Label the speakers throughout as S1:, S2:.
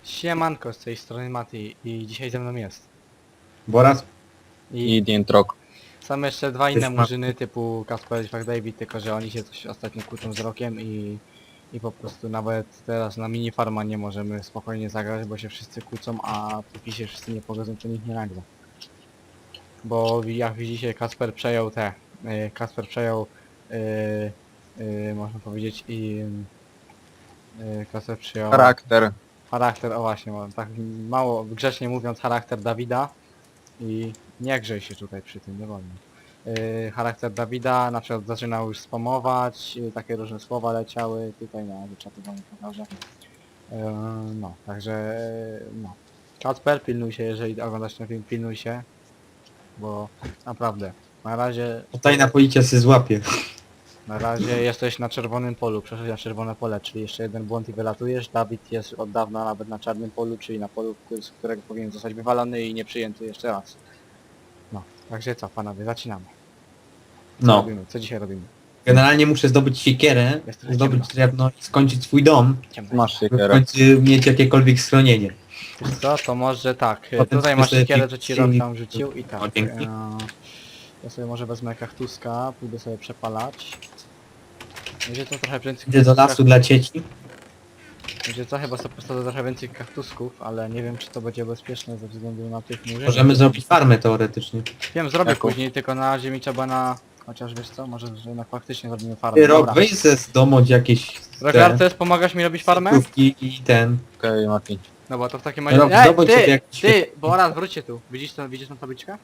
S1: Siemanko, z tej strony Mati i dzisiaj ze mną jest.
S2: Boraz?
S1: I
S3: Dientrok.
S1: są jeszcze dwa inne
S2: Też ma-
S1: murzyny typu Kasper i David, tylko że oni się coś ostatnio kłócą z Rokiem i po prostu nawet teraz na mini farma nie możemy spokojnie zagrać, bo się wszyscy kłócą, a póki się wszyscy nie pogodzą, to nikt nie nagra. Bo jak widzicie Kasper przejął można powiedzieć Kasper przejął
S3: Charakter.
S1: o właśnie, tak mało grzecznie mówiąc charakter Dawida i nie grzej się tutaj przy tym, nie wolno. Charakter Dawida na przykład zaczynał już spamować, takie różne słowa leciały, tutaj na czatu wam pokażę. No, także no. Kacper, pilnuj się, jeżeli oglądasz ten film, pilnuj się, bo naprawdę,
S2: Tajna policja się złapie.
S1: na razie jesteś na czerwonym polu, przeszedłeś na czerwone pole, czyli jeszcze jeden błąd i wylatujesz. Dawid jest od dawna nawet na czarnym polu, czyli na polu, z którego powinien zostać wywalony i nie przyjęty jeszcze raz. No, także co panowie, zaczynamy. Co
S2: No.
S1: robimy? Co dzisiaj robimy?
S2: Generalnie muszę zdobyć siekierę,
S1: Jest trochę
S2: zdobyć
S1: ciemno.
S2: drewno i skończyć swój dom,
S1: Ciemno.
S3: Masz
S2: by w
S3: siekierę.
S2: końcu mieć jakiekolwiek schronienie.
S1: Wiesz co, to może tak,
S2: Potem
S1: tutaj masz
S2: sobie
S1: siekierę, co ci Rok
S2: filmik-
S1: tam rzucił i tak.
S2: O, dzięki.
S1: Ja sobie może wezmę kaktuska, pójdę sobie przepalać. Będzie to trochę więcej
S2: Idę do lasu dla dzieci.
S1: Będzie co, chyba sobie postawę trochę więcej kaktusków, ale nie wiem czy to będzie bezpieczne ze względu na tych murzynów.
S2: Możemy zrobić farmę teoretycznie.
S1: Wiem, zrobię
S3: Jaką?
S1: później, tylko na razie mi trzeba na... Chociaż wiesz co, może że jednak faktycznie zrobimy farmę.
S2: Ty Rok,
S1: Dobra.
S2: weź z domu jakieś
S1: Rogartes, pomagasz mi robić farmę?
S2: krówki i ten.
S3: Okej, Mati.
S1: No bo to w takim razie...
S2: Rok, zdobądź sobie jakiś...
S1: Ty! Boraz, wróćcie tu. Widzisz tą tabliczkę?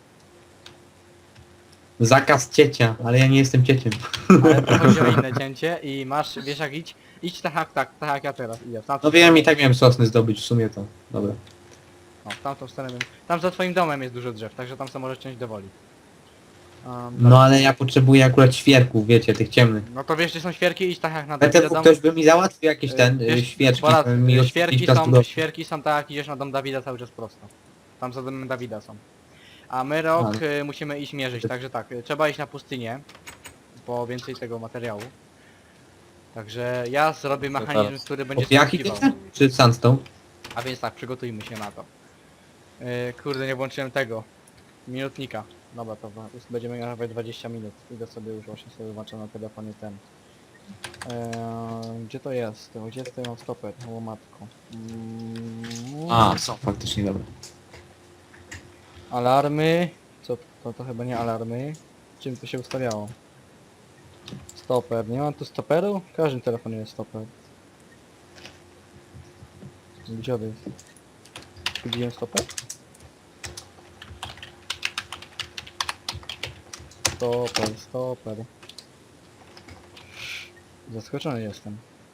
S2: Zakaz ciecia, ale ja nie jestem cieciem.
S1: Ale to chodzi o inne cięcie i masz, wiesz jak idź tak jak ja teraz idę. W tamtą
S2: No wiem,
S1: stronę.
S2: i tak miałem sosny zdobyć w sumie to. Dobra.
S1: O, w tamtą stronę wiem. Tam za twoim domem jest dużo drzew, także tam sobie możesz ciąć do woli.
S2: No ale ja potrzebuję akurat świerków, wiecie, tych ciemnych.
S1: No to wiesz gdzie są świerki, idź tak jak na
S2: Ale
S1: Dawida dom.
S2: ktoś by mi załatwił jakieś świeczki.
S1: Boraz,
S2: mi
S1: świerki są tak jak idziesz na dom Dawida cały czas prosto. Tam za domem Dawida są. A my Rok musimy iść mierzyć, także tak, trzeba iść na pustynię. Po więcej tego materiału. Także ja zrobię mechanizm,
S3: teraz.
S1: który będzie
S2: Jaki
S1: skrzykiwał.
S2: czy sandstone?
S1: A więc tak, przygotujmy się na to. Kurde, nie włączyłem tego. Minutnika. Dobra, to już będziemy nawet 20 minut. Idę sobie już właśnie sobie włączam na telefonie ten. Gdzie to jest? Gdzie tutaj mam stoper? O matko.
S2: A, są faktycznie, dobra.
S1: Alarmy. Co to chyba nie alarmy. Czym to się ustawiało? Stoper. Nie mam tu stoperu? W każdym telefonie jest stoper. Gdzie on jest? Zgubiłem stoper? Stoper. Zaskoczony jestem.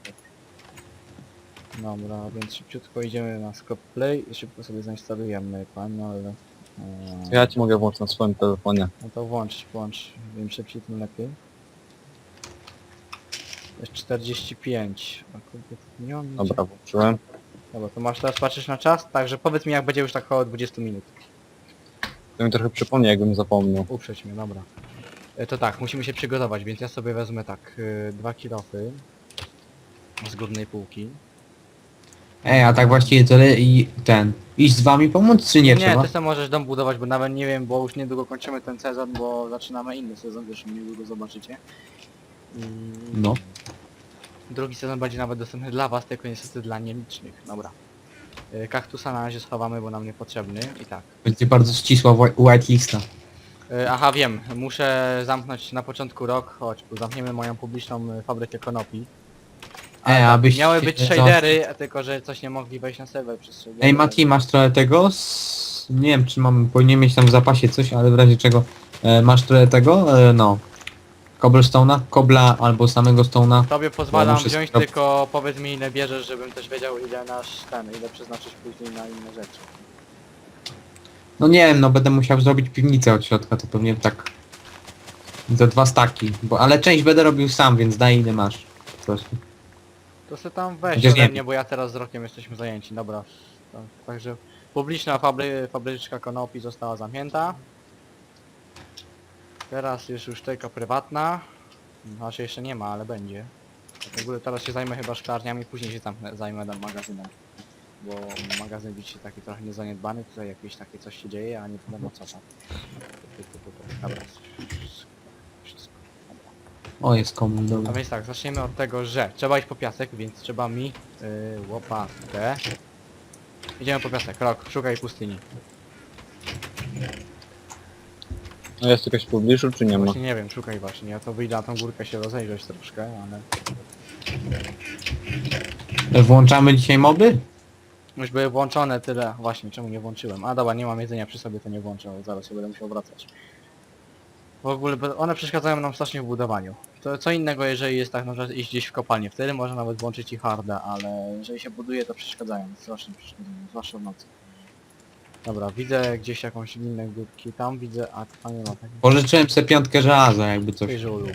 S1: Dobra, więc szybciutko idziemy na Scope Play i szybko sobie zainstalujemy panel.
S3: Ja ci mogę włączyć na swoim telefonie.
S1: No to włącz. Im szybciej tym lepiej. Jest 45. A kurde, nie mam nic.
S3: Dobra, włączyłem.
S1: Dobra, to masz teraz patrzysz na czas, także powiedz mi jak będzie już tak około 20 minut.
S3: To mi trochę przypomnie, jakbym zapomniał.
S1: Uprzeć mnie, dobra. To tak, musimy się przygotować, więc ja sobie wezmę tak 2 kilofy z górnej półki.
S2: A tak właściwie to i ten. Iść z wami pomóc, czy nie
S1: Nie,
S2: trzeba?
S1: ty sam możesz dom budować, bo nawet nie wiem, bo już niedługo kończymy ten sezon, bo zaczynamy inny sezon, zresztą niedługo zobaczycie.
S2: No.
S1: Drugi sezon będzie nawet dostępny dla was, tylko niestety dla nielicznych. Dobra. Kaktusa na razie schowamy, bo nam niepotrzebny. I tak.
S2: Będzie bardzo ścisła whitelista.
S1: Aha, wiem. Muszę zamknąć na początku rok, chodź, bo zamkniemy moją publiczną fabrykę konopi. Ale tak,
S2: abyś...
S1: miały być shadery, tylko że coś nie mogli wejść na serwer przez shadery.
S2: Ej Mati, masz trochę tego? Nie wiem czy powinien mieć tam w zapasie coś, ale w razie czego masz trochę tego? No. Cobblestone'a, kobla albo samego stone'a.
S1: Tobie pozwalam
S2: muszę
S1: wziąć, tylko powiedz mi ile bierzesz, żebym też wiedział ile ile przeznaczyć później na inne rzeczy.
S2: No nie wiem, no będę musiał zrobić piwnicę od środka, to pewnie tak... Za 2 staki, ale część będę robił sam, więc daj ile masz. Po prostu.
S1: To se tam weź
S2: Chociaż
S1: ode
S2: nie
S1: mnie, bo ja teraz z rokiem jesteśmy zajęci, dobra. Tak, także publiczna fabryczka konopi została zamknięta. Teraz jest już tylko prywatna. Znaczy jeszcze nie ma, ale będzie. W ogóle teraz się zajmę chyba szklarniami, później się zajmę magazynem. bo magazyn widzicie taki trochę niezaniedbany, tutaj jakieś takie coś się dzieje, a nie wiadomo co tam. Dobra, wszystko. Dobra.
S2: O, jest komun,
S1: A
S2: dobra.
S1: więc tak, zaczniemy od tego, że trzeba iść po piasek, więc trzeba mi łopatę. Idziemy po piasek, Rok, szukaj pustyni.
S3: No jest jakaś w pobliżu, czy nie ma?
S1: Właśnie nie wiem, szukaj właśnie, ja to wyjdę na tą górkę się rozejrzeć troszkę, ale...
S2: Włączamy dzisiaj moby?
S1: Już były włączone tyle, właśnie, czemu nie włączyłem? A dobra, nie mam jedzenia przy sobie, to nie włączę, ale zaraz się będę musiał wracać. W ogóle one przeszkadzają nam strasznie w budowaniu. To co innego, jeżeli jest tak, na przykład iść gdzieś w kopalnię, wtedy można nawet włączyć i harda, ale jeżeli się buduje, to przeszkadzają, strasznie przeszkadzają, zwłaszcza w nocy. Dobra, widzę gdzieś jakąś inne górki, tam widzę, a tam nie ma takiej.
S2: Pożyczyłem sobie 5 żelaza, jakby coś.
S1: Ej, żulu.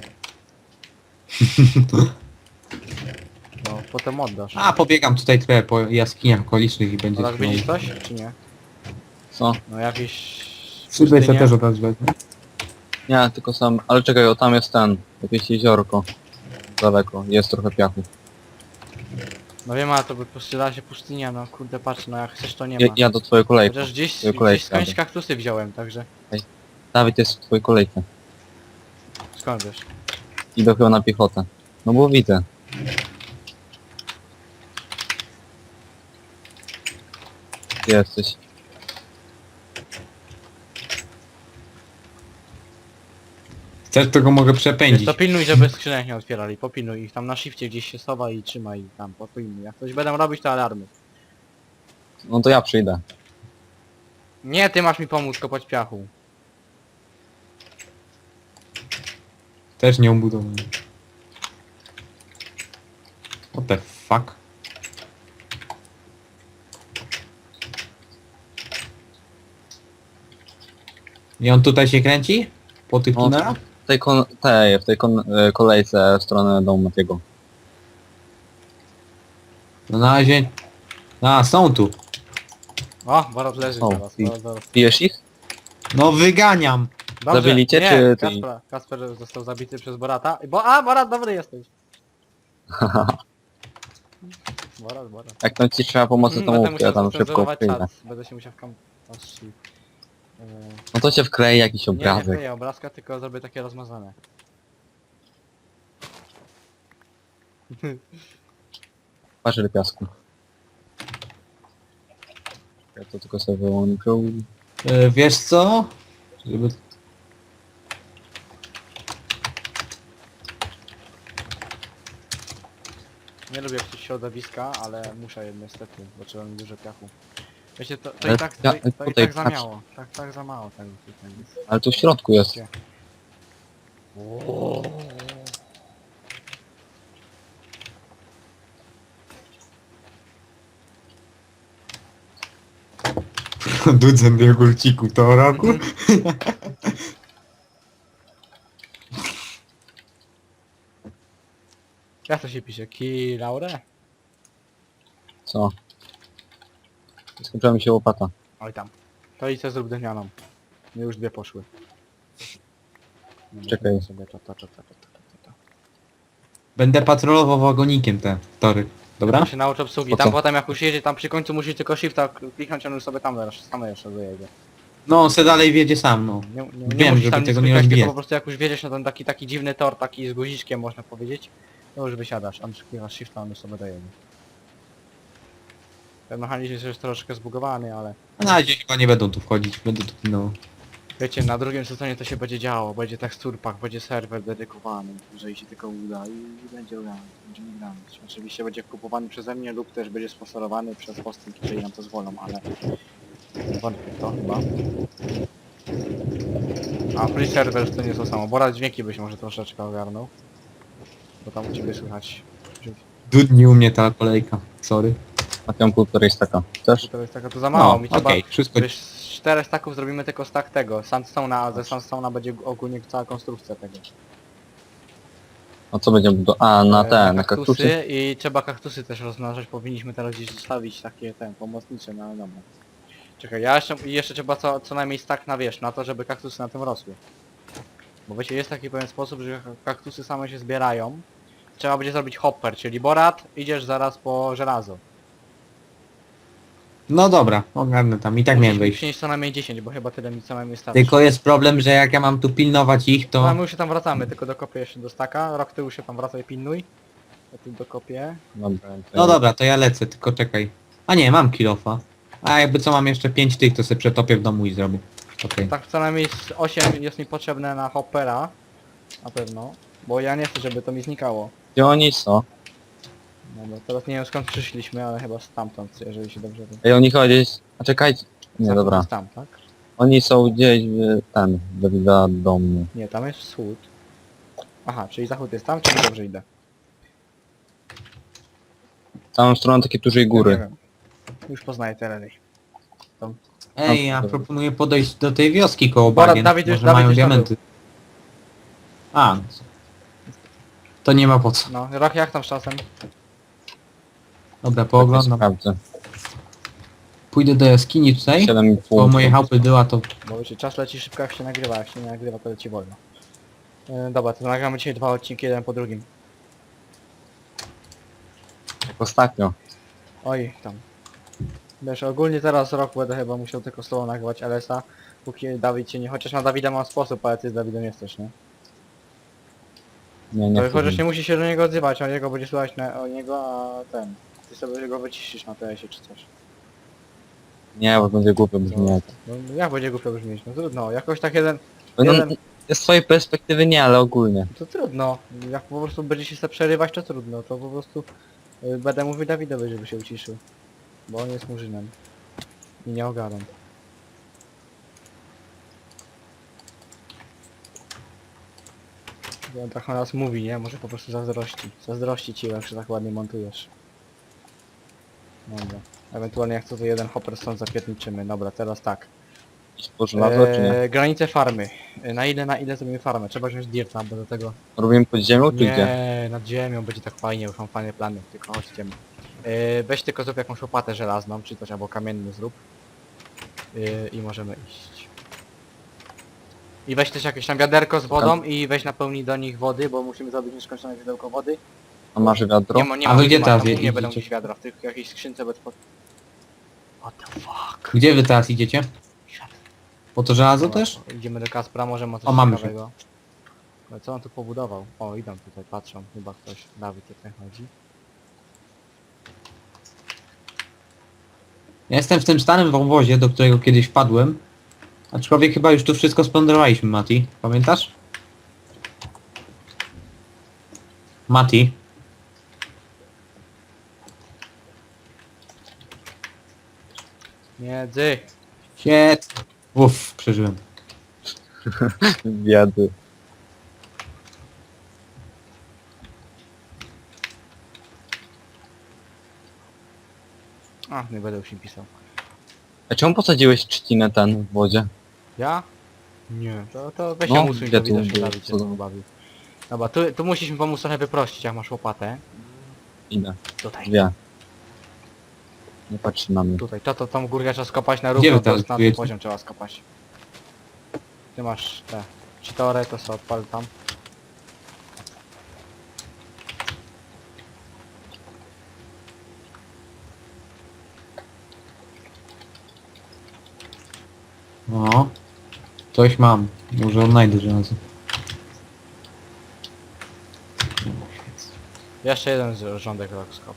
S1: No, potem oddasz.
S2: A, pobiegam tutaj trochę po jaskiniach okolicznych i będzie...
S1: No tak widzisz coś, czy nie?
S3: Co?
S1: No jakieś...
S2: Szybę sobie
S1: pustynie.
S2: też od razu wezmę.
S3: Nie, tylko sam... Ale czekaj, o tam jest ten. Jakieś jeziorko. Daleko. Jest trochę piachu.
S1: No wiem, ale to by postrzela się pustynia, no kurde patrz, no jak chcesz to nie ma.
S3: Ja do twojej kolejki.
S1: Chociaż gdzieś
S3: Twoje kolejki,
S1: skądś
S3: Dawid.
S1: kaktusy wziąłem, także
S3: Dawid jest w twojej kolejce.
S1: skąd wiesz?
S3: Idę chyba na piechotę. No bo widzę. Gdzie jesteś?
S2: Chcesz, to go mogę
S1: Wiesz,
S2: przepędzić.
S1: to pilnuj, żeby skrzynek nie otwierali, popilnuj ich tam na shifcie gdzieś się sowa i trzymaj ich tam, popilnuj. Jak coś będą robić, to alarmy.
S3: No to ja przyjdę.
S1: Nie, ty masz mi pomóc kopać piachu.
S2: Też nie obudowany. What the fuck? I on tutaj się kręci? Po tych
S3: No,
S2: tunelach?
S3: w tej kolejce w stronę domu Matiego.
S2: No na razie... A, są tu.
S1: O, Borat leży
S3: O,
S1: zaraz,
S3: i-
S1: zaraz.
S3: Pijesz ich?
S2: No wyganiam.
S1: Dobrze,
S3: Zabili cię,
S1: nie,
S3: czy ty?
S1: Kasper został zabity przez Borata. A, Borat, dobry jesteś. Borat.
S3: Jak tam ci trzeba pomocy, to
S1: Będę
S3: mów, ja
S1: musiał
S3: tam szybko
S1: zacenzurować
S3: przyjdę.
S1: czat. Będę się musiał
S3: No to cię wklei jakiś
S1: nie
S3: obrazek.
S1: wkleję obrazka, tylko zrobię takie rozmazane.
S3: Patrz ile piasku. Ja to tylko sobie wyłączył.
S2: Wiesz co? Żeby...
S1: Nie lubię psuć środowiska, ale muszę niestety, bo trzeba mi dużo piachu. Wiecie, to
S3: Ale
S1: i tak,
S3: ja-
S1: to i
S3: tutaj
S1: tak za
S3: patrz.
S1: mało. Tak za mało tego tutaj jest.
S3: Ale tu w środku jest.
S1: Gdzie?
S2: Dudzem do jogurciku to roku?
S1: Jak to się pisze? Ki Laure?
S3: Co? Skończyła mi się łopata.
S1: Oj tam. To i co zrób drewnianą. No już dwie poszły. Dobra,
S3: Czekaj.
S1: sobie to.
S2: Będę patrolował wagonikiem te tory. Dobra?
S1: Ja się nauczę obsługi.
S3: Po
S1: Tam
S3: co?
S1: potem jak już jedzie, tam przy końcu musi tylko shifta kliknąć, on już sobie tam same jeszcze dojedzie.
S2: No on se dalej wiedzie sam, no.
S1: Nie
S2: Wiem,
S1: musisz
S2: żeby
S1: tam nic
S2: tego nie
S1: klikać, tylko
S2: rozbijać.
S1: po prostu jak już wiedziesz na ten taki dziwny tor, taki z guziczkiem można powiedzieć, to już wysiadasz, on klikasz shifta, on już sobie dojedzie. Ten mechanizm jest troszkę zbugowany, ale
S2: A na razie chyba nie będą tu wchodzić, będę tu pilnował.
S1: wiecie, na drugim sezonie to się będzie działo, będzie teksturpak, będzie serwer dedykowany, jeżeli się tylko uda i będzie grany, będziemy grać. Oczywiście będzie kupowany przeze mnie lub też będzie sponsorowany przez hosting, jeżeli nam to zwolą, ale wątpię w to chyba. A free server to nie to samo, Borat dźwięki byś może troszeczkę ogarnął, bo tam u ciebie słychać.
S2: Dudni u mnie ta kolejka, sorry.
S3: A tam półtorej staka. Chcesz?
S1: To jest taka to za mało,
S2: No,
S1: mi trzeba...
S2: okej, wszystko...
S1: Wiesz, z 4 staków zrobimy tylko stack tego, sandstone'a, a ze sandstone'a będzie ogólnie cała konstrukcja tego.
S3: A co będziemy A, na te, na
S1: kaktusy
S3: kaktusy?
S1: i trzeba kaktusy też rozmnażać, powinniśmy teraz gdzieś zostawić takie pomocnicze, no ale dobra. Czekaj, jeszcze trzeba co najmniej stack na wiesz, na to, żeby kaktusy na tym rosły. Bo wiecie, jest taki pewien sposób, że kaktusy same się zbierają. Trzeba będzie zrobić hopper, czyli Borat, idziesz zaraz po żelazo.
S2: No dobra, ogarnę tam. I tak miałem
S1: Musimy
S2: wejść.
S1: przynieść co najmniej 10, bo chyba tyle mi co najmniej starczy.
S2: Tylko jest problem, że jak ja mam tu pilnować ich,
S1: No,
S2: to...
S1: my już się tam wracamy, tylko dokopię jeszcze do staka. Rok tyłu się tam wracaj, pilnuj. Ja tu dokopię.
S3: Dobra,
S2: No dobra, to ja lecę, tylko czekaj. A nie, mam kilofa. A jakby co, mam jeszcze 5 tych, to sobie przetopię w domu i zrobię. Okej.
S1: Tak co najmniej z 8 jest mi potrzebne na hoppera. Na pewno. Bo ja nie chcę, żeby to mi znikało.
S3: Gdzie oni są?
S1: No bo teraz nie wiem skąd przyszliśmy, ale chyba stamtąd, jeżeli się dobrze
S3: Ej, oni chyba gdzieś... A czekajcie. Nie,
S1: Zachód
S3: dobra.
S1: jest tam, tak?
S3: Oni są gdzieś w... ten... Dawida domu.
S1: Nie, tam jest wschód. Aha, czyli zachód jest tam, czyli dobrze idę.
S3: Całą stroną takie dużej
S1: Nie
S3: góry.
S1: wiem. Już poznaję tereny.
S2: Ej, ja
S3: Dobra.
S2: proponuję podejść do tej wioski koło
S1: Dobra,
S2: bagien.
S1: Dawid już-
S2: Może
S1: Dawid
S2: mają
S1: już tam
S2: diamenty. A, no co. To nie ma po co.
S1: No, Rok jak tam z czasem?
S2: Dobra,
S3: Tak,
S2: pooglądam.
S3: sprawdzę.
S2: Pójdę do jaskini tutaj.
S3: 7,5.
S2: Bo moje chałupy była to...
S1: Bo wiecie, czas leci szybko jak się nagrywa, jak się nie nagrywa to leci wolno. Dobra, to nagramy dzisiaj 2 odcinki, jeden po drugim.
S3: Jak ostatnio.
S1: Oj, tam. Wiesz, ogólnie teraz Rok będę chyba musiał tylko z tobą nagrywać LS-a, póki Dawid się nie... Chociaż na Dawida mam sposób, ale ty z Dawidem jesteś, nie?
S3: Nie, nie
S1: To chociaż
S3: chcę.
S1: nie musi się do niego odzywać, on jego będzie słuchać o niego, a ten... Ty sobie go wyciszysz na TS-ie czy coś.
S3: Nie, bo będzie głupio brzmieć.
S1: No, jak będzie głupio brzmieć? No trudno, jakoś tak jeden...
S3: No,
S1: jeden...
S3: z twojej perspektywy nie, ale ogólnie.
S1: To trudno. Jak po prostu będzie się chce przerywać, to trudno. To po prostu będę mówił Dawidowi, żeby się uciszył. Bo on jest murzynem. I nie ogarnę. Bo on tak o nas mówi, nie? Może po prostu zazdrości. Zazdrości ci, jak się tak ładnie montujesz. Dobra. Ewentualnie jak co to jeden hopper stąd zapierniczymy. Dobra, teraz tak.
S3: Iść po żelazo, czy nie?
S1: Granice farmy. Na ile zrobimy farmę? Trzeba wziąć dirta, bo do tego...
S3: Robimy pod ziemią, czy gdzie?
S1: Nie, nad ziemią będzie tak fajnie, już mam fajne plany, tylko chodźcie. Weź tylko zrób jakąś łopatę żelazną, czy coś albo kamienny zrób. I możemy iść. I weź też jakieś tam wiaderko z wodą i weź napełnij do nich wody, bo musimy zrobić nieskończone źródełko wody.
S3: A masz wiadro?
S1: Nie
S2: A wy gdzie
S1: ma,
S2: teraz
S1: tam nie
S2: idziecie?
S1: będą gdzieś wiadra, w tych jakiejś skrzynce bez pod... What the fuck?
S2: Gdzie wy teraz idziecie? Po to żelazo też?
S1: Idziemy do Kaspra, może ma coś
S2: O, mamy
S1: ciekawego. Ale co on tu pobudował? O, idą tutaj, patrzą, chyba ktoś, Dawid tutaj chodzi.
S2: Ja jestem w tym starym wąwozie, do którego kiedyś wpadłem. Aczkolwiek chyba już tu wszystko splądrowaliśmy, Mati. Pamiętasz? Mati.
S1: Miedzy!
S2: Shit. Uff, przeżyłem.
S3: Biedy.
S1: A, nie będę już im pisał.
S3: A czemu posadziłeś trzcinę ten w wodzie?
S1: Ja? Nie. To weź
S3: No,
S1: ją usuń,
S3: gdzie
S1: to
S3: tu
S1: widać, że
S3: było?
S1: Dawid się znowu bawił. Dobra, tu musisz mi pomóc trochę wyprościć, jak masz łopatę.
S3: Idę.
S1: Tutaj.
S3: Dwie. Nie patrzy na mnie.
S1: Tutaj, tą górkę trzeba skopać na
S2: Gdzie
S1: równo,
S2: wy teraz
S1: to na ten
S2: czujecie?
S1: poziom trzeba skopać. Ty masz te cheatory, to sobie odpal tam.
S2: No. Coś mam. Może odnajdę żelazo.
S1: Jeszcze jeden rządek rok skop.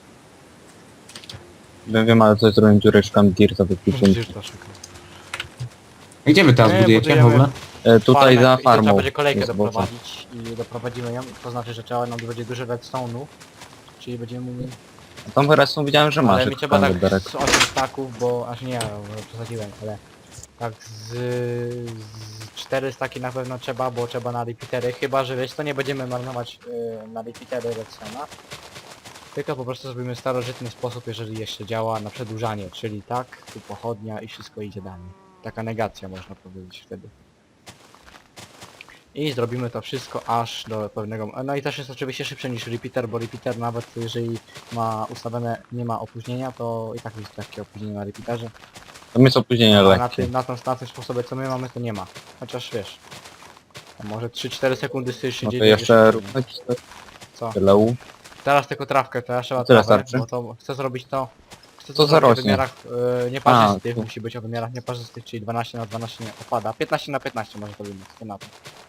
S3: Wiem, ale coś zrobiłem dziurę, szukam dirta wypiszę.
S1: Musisz to szukać.
S2: A gdzie wy teraz
S1: Nie,
S2: budujecie w
S1: budujemy-
S2: ogóle?
S3: Tutaj za
S1: I to trzeba
S3: farmą.
S1: będzie kolejkę
S3: jest boca.
S1: doprowadzić i doprowadzimy ją, to znaczy, że trzeba nam będzie dużo redstone'u. Czyli będziemy mieli...
S3: A tam wyraźnie widziałem, że masz.
S1: Ale mi trzeba tak
S3: wiaderek.
S1: z 8 staków, bo aż nie, bo przesadziłem, ale tak z 4 staki na pewno trzeba, bo trzeba na repeatery, chyba że wiesz, to nie będziemy marnować na repeatery redstone'a. Tylko po prostu zrobimy starożytny sposób, jeżeli jeszcze działa na przedłużanie, czyli tak, tu pochodnia i wszystko idzie dalej. Taka negacja można powiedzieć wtedy. I zrobimy to wszystko aż do pewnego... No i też jest oczywiście szybsze niż repeater, bo repeater nawet jeżeli ma ustawione, nie ma opóźnienia, to i tak jest takie opóźnienie na repeaterze.
S3: Tam jest opóźnienie
S1: A
S3: lekkie.
S1: na tym sposobie co my mamy to nie ma. Chociaż wiesz. To może 3-4 sekundy się
S3: No to
S1: dzieje.
S3: jeszcze róbmy
S1: Co?
S3: tyle.
S1: Teraz tylko trawkę, teraz trzeba
S3: Tyle
S1: trawę,
S3: starczy?
S1: bo to chcę zrobić to chcę
S3: To
S1: to zrobić o
S3: zarośnie.
S1: wymiarach nieparzystych,
S3: A, to-
S1: musi być o wymiarach nieparzystych, czyli 12 na 12 nie opada. 15 na 15 może to być, co na to.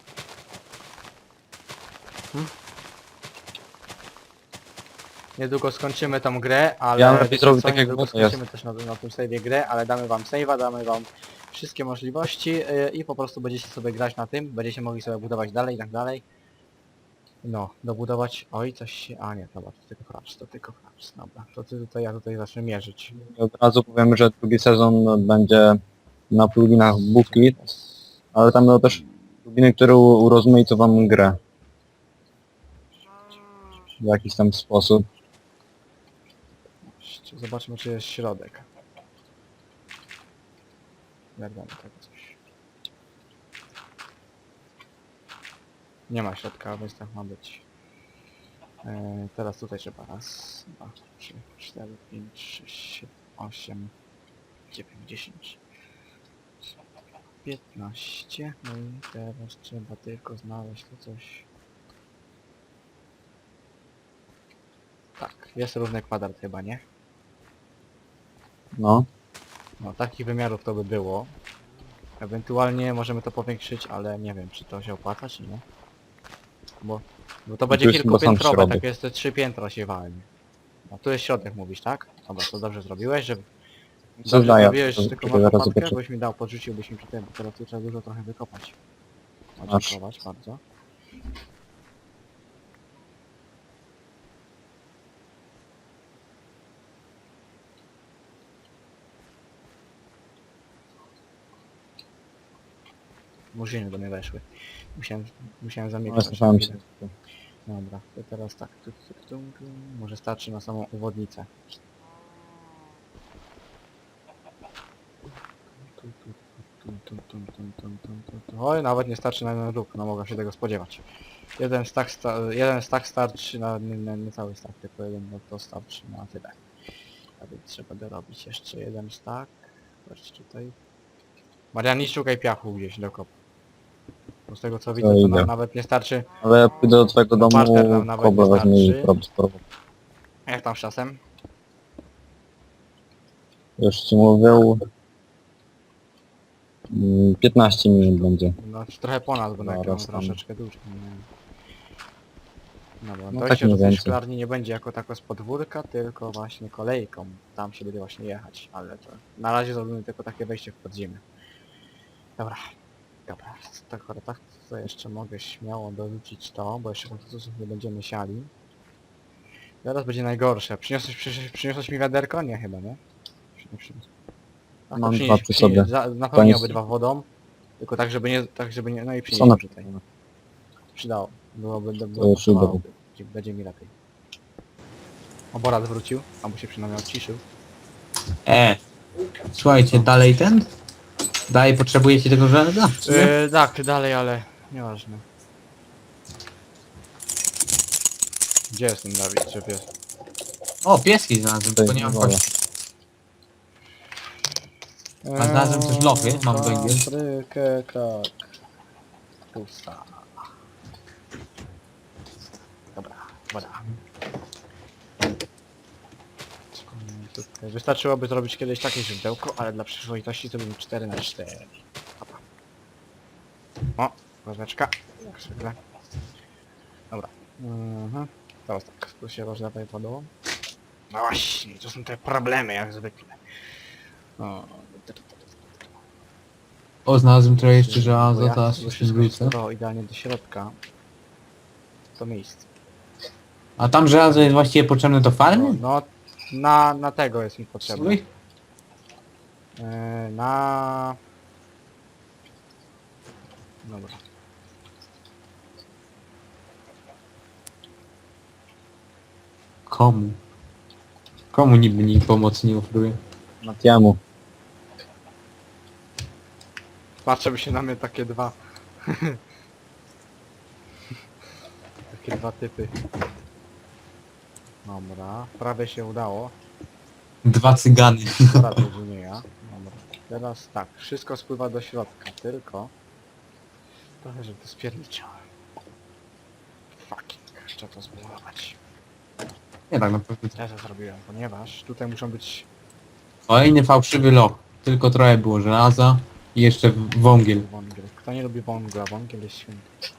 S1: Niedługo skończymy tą grę, ale
S3: Ja bym lepiej
S1: wiecie
S3: zrobił
S1: co,
S3: tak, jak
S1: niedługo
S3: było, to jest.
S1: skończymy też na tym save'ie grę, ale damy wam save'a, damy wam wszystkie możliwości i po prostu będziecie sobie grać na tym, będziecie mogli sobie budować dalej i tak dalej. No, dobudować... Oj, coś się... A nie, dobra, to tylko fraps, to tylko fraps, dobra. To ty tutaj, ja tutaj zacznę mierzyć.
S3: I od razu powiem, że drugi sezon będzie na pluginach Bookit, ale tam będą też pluginy, które urozmaicą wam grę. W jakiś tam sposób.
S1: Zobaczmy, czy jest środek. Jak damy tego coś. Nie ma środka, więc tak ma być. Teraz tutaj trzeba raz, 2, 3, 4, 5, 6, 7, 8, 9, 10, 15. No i teraz trzeba tylko znaleźć tu coś. Tak, jest równy kwadrat chyba, nie?
S3: No.
S1: No, takich wymiarów to by było. Ewentualnie możemy to powiększyć, ale nie wiem, czy to się opłaca, czy nie. Bo to będzie
S3: tu jest chyba sam
S1: kilkupiętrowe,
S3: środek.
S1: takie jest te 3 piętra się walnie. No tu jest środek mówisz, tak? Dobra, to dobrze zrobiłeś, że... Dobrze
S3: Zadaję.
S1: zrobiłeś,
S3: To-
S1: tylko
S3: to
S1: masz
S3: zaraz
S1: łopatkę,
S3: zobaczę.
S1: byś mi dał, podrzuciłbyś mi przy tym, bo teraz tu trzeba dużo trochę wykopać. O,
S3: Masz.
S1: dziękować bardzo. Murzyny do mnie weszły. Musiałem
S3: No,
S1: zamykać.
S3: słyszałem się.
S1: Dobra, to teraz tak, może starczy na samą uwodnicę. Oj, nawet nie starczy na jeden róg, no mogę się tego spodziewać. Jeden stack starczy na nie cały stack, tylko jeden, no to starczy na tyle. A więc trzeba dorobić jeszcze jeden stack. Patrzcie tutaj. Marian, nie szukaj piachu gdzieś do kopu. Bo z tego co widzę, to
S3: idę.
S1: nawet nie starczy.
S3: Ale ja pójdę do twojego
S1: No,
S3: domu,
S1: partner nam nawet
S3: koblę
S1: nie
S3: weźmie i
S1: starczy.
S3: spróbuję.
S1: Jak tam z czasem?
S3: Już ci mówię. 15 minut będzie.
S1: No trochę ponad, bo
S3: No,
S1: nagrałem
S3: raz tam.
S1: troszeczkę dłużej. No bo
S3: No,
S1: dojście
S3: tak mniej
S1: do tej
S3: więcej.
S1: szklarni nie będzie jako tako z podwórka, tylko właśnie kolejką. Tam się będzie właśnie jechać, ale to... Na razie zrobimy tylko takie wejście w podziemie. Dobra. Dobra, tak to jeszcze mogę śmiało dorzucić to, bo jeszcze kontynuacjów nie będziemy siali. Teraz będzie najgorsze. Przyniosłeś mi wiaderko? Nie chyba, nie? Nie przyniosłem. A to
S3: Mam
S1: przynieś-
S3: dwa przy
S1: przynieś-
S3: sobie.
S1: Napełnij
S3: Koniec.
S1: obydwa wodą. Tylko tak żeby nie, no i przynieś
S3: Co na
S1: mi tutaj. Przydało.
S3: To
S1: Byłoby
S3: już idę.
S1: pasowałoby. Będzie mi lepiej. Oborat wrócił, albo się przynajmniej odciszył.
S2: Słuchajcie, dalej ten? Dalej potrzebujecie tego żelaza? czy nie?
S1: Tak, dalej, ale nieważne. Gdzie jest ten Dawid, czy pies?
S2: O, pieski znalazłem, tylko nie mam
S3: Dobra.
S2: kości. A znalazłem też lochy, mam węgiel.
S1: Paprykę, krak. Pusta. Dobra, woda. Wystarczyłoby zrobić kiedyś takie źródełko, ale dla przyzwoitości to bym 4 na 4. Dobra. O, ważeczka. Jak zwykle. Dobra. Teraz tak, tu się rozlewaj wodą. No właśnie, to są te problemy jak zwykle. O,
S2: O, znalazłem trochę jeszcze żelaza,
S1: bo ja
S2: teraz
S1: chcę
S2: się
S1: wszystko
S2: zwrócę.
S1: zestowało idealnie do środka. To miejsce.
S2: A tam żelazo jest właściwie potrzebne do farmy?
S1: No, na tego jest mi potrzebne.
S2: Słuchaj?
S1: Na... Dobra.
S2: Komu? Komu niby pomocy nie oferuje?
S3: Matiemu.
S1: Patrzę by się na mnie takie dwa. Takie dwa typy. Dobra, prawie się udało.
S2: Dwa cygany.
S1: Prawie, że nie ja. Dobra. Teraz tak, wszystko spływa do środka, tylko... Trochę, żeby to spierniczałem. Fucking, trzeba to zbudować.
S2: Nie tak naprawdę.
S1: Ja to zrobiłem, ponieważ tutaj muszą być
S2: Kolejny fałszywy loch. Tylko trochę było żelaza i jeszcze wągiel.
S1: Wągiel. Kto nie lubi wągla? Wągiel jest święty.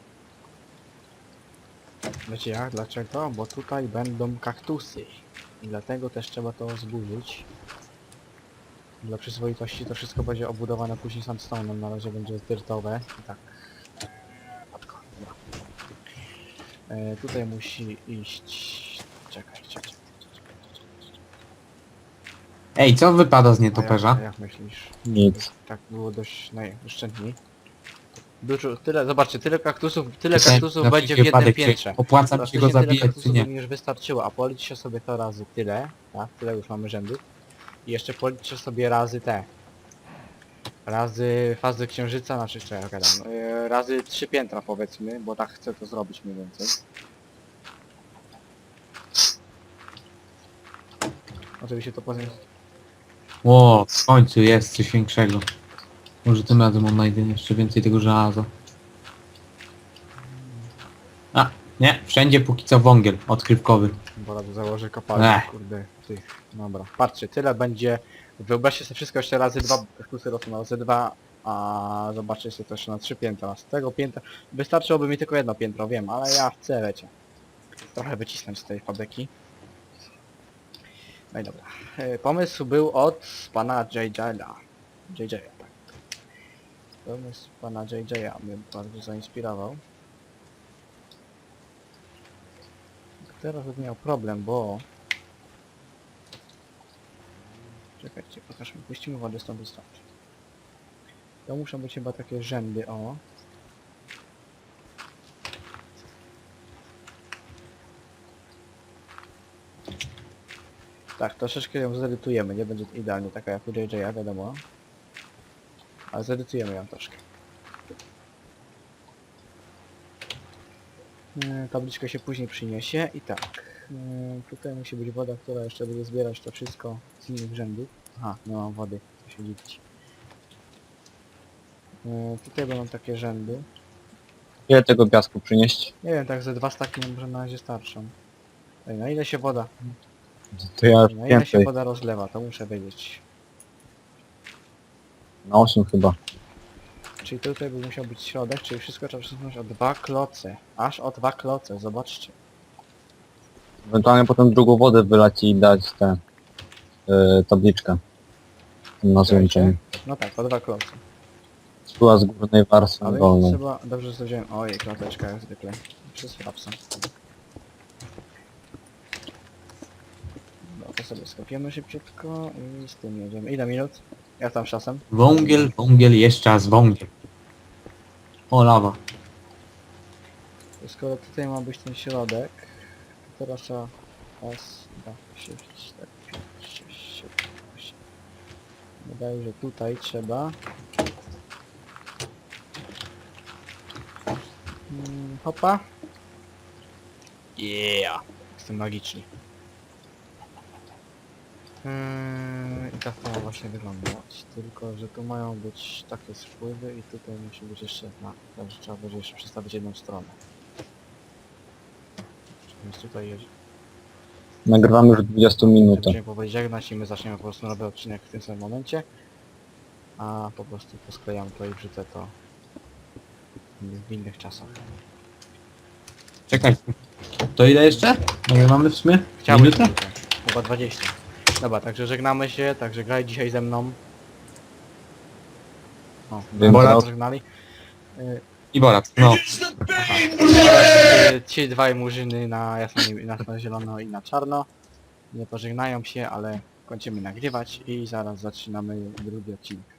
S1: Wiecie jak? Dlaczego? Bo tutaj będą kaktusy. I dlatego też trzeba to zburzyć. Dla przyzwoitości to wszystko będzie obudowane później sandstone'em. Na razie będzie dyrtowe. I tak. Matko, dobra. Tutaj musi iść... Czekaj.
S2: Ej, co wypada z
S1: A
S2: nietoperza?
S1: jak myślisz?
S3: Nic.
S1: Tak było dość najoszczędniej. Dużo, tyle, zobaczcie, tyle kaktusów
S2: Na
S1: będzie w
S2: wszelki
S1: jednym
S2: wypadek, czy
S1: piętrze.
S2: opłaca mi się go
S1: Praktycznie tyle
S2: zabijać, czy
S1: kaktusów by
S2: nie?
S1: mi już wystarczyło, a policzcie sobie to razy tyle, tak? Tyle już mamy rzędów. I jeszcze policzcie sobie razy te. Razy fazy księżyca, znaczy co ja gadam, razy 3 piętra powiedzmy, bo tak chcę to zrobić mniej więcej. Oczywiście to potem...
S2: O, w końcu jest coś większego. Może tym razem odnajdę jeszcze więcej tego żelaza. A, nie, wszędzie póki co wągiel odkrywkowy.
S1: Bo rady założę kopalnię,
S2: Ech.
S1: kurde, tych, dobra. Patrzcie, tyle będzie, wyobraźcie sobie wszystko jeszcze razy 2, kaktusy rosną razy 2, a zobaczcie sobie też na 3 piętra. Z tego piętra, wystarczyłoby mi tylko jedno piętro, wiem, ale ja chcę, wiecie, trochę wycisnąć z tej fabryki. No i dobra. Pomysł był od pana JJ'a. Tak. Pomysł pana JJ'a mnie bardzo zainspirował. Teraz bym miał problem, bo... Czekajcie, pokażmy, puścimy wodę stąd wystarczy. To muszą być chyba takie rzędy, o. Tak, troszeczkę ją zedytujemy, nie będzie idealnie taka jak u JJ'a, wiadomo. Ale zedytujemy ją troszkę. Tabliczkę się później przyniesie i tak. Tutaj musi być woda, która jeszcze będzie zbierać to wszystko z innych rzędów. Aha, nie mam wody, co się dziwić. Tutaj będą takie rzędy.
S3: Ile tego piasku przynieść?
S1: Nie wiem, tak ze 2 staki nam może na razie starczą. Ej, na ile się woda?
S3: To ja już
S1: Na ile się
S3: więcej.
S1: woda rozlewa, to muszę wiedzieć.
S3: Na 8 chyba.
S1: Czyli tutaj by musiał być środek, czyli wszystko trzeba przesunąć o 2 kloce. Aż o 2 kloce, zobaczcie.
S3: Ewentualnie potem drugą wodę wylać i dać tę tabliczkę. Na złączeniu.
S1: No tak, o 2 kloce.
S3: Spływa z górnej warstwy
S1: Ale
S3: wolną.
S1: trzeba, dobrze że wziąłem. Ojej, klateczka jak zwykle. Przez frapsa. No to sobie skopiemy szybciutko i z tym jedziemy. Ile minut? Jak tam z czasem?
S2: Wągiel, jeszcze raz wągiel. O, lawa.
S1: To skoro tutaj ma być ten środek, to teraz trzeba... Raz, 2, 3, 4, 5, 6, 7, 8. Wydaje, że tutaj trzeba... Hopa. Yeah! Jestem magiczny. I tak to ma właśnie wyglądać, tylko że tu mają być takie spływy i tutaj musi być jeszcze także trzeba będzie jeszcze przestawić jedną stronę. Więc tutaj jest.
S3: Nagrywamy już 20 minutę.
S1: Będziemy powoli żegnać i my zaczniemy po prostu nowy odcinek w tym samym momencie. A po prostu posklejam to i wrzucę to w innych czasach.
S2: Czekaj. To ile jeszcze? No mamy w sumie?
S1: Chciałbym
S2: Minutę?
S1: tylko. Chyba 20. Dobra, także żegnamy się, także graj dzisiaj ze mną. O,
S3: Wiem,
S1: Bola
S3: teraz-
S1: żegnali.
S2: I Borat, no.
S1: Ci dwaj murzyny na jasno zielono i na czarno. Nie pożegnają się, ale kończymy nagrywać i zaraz zaczynamy drugi odcinek.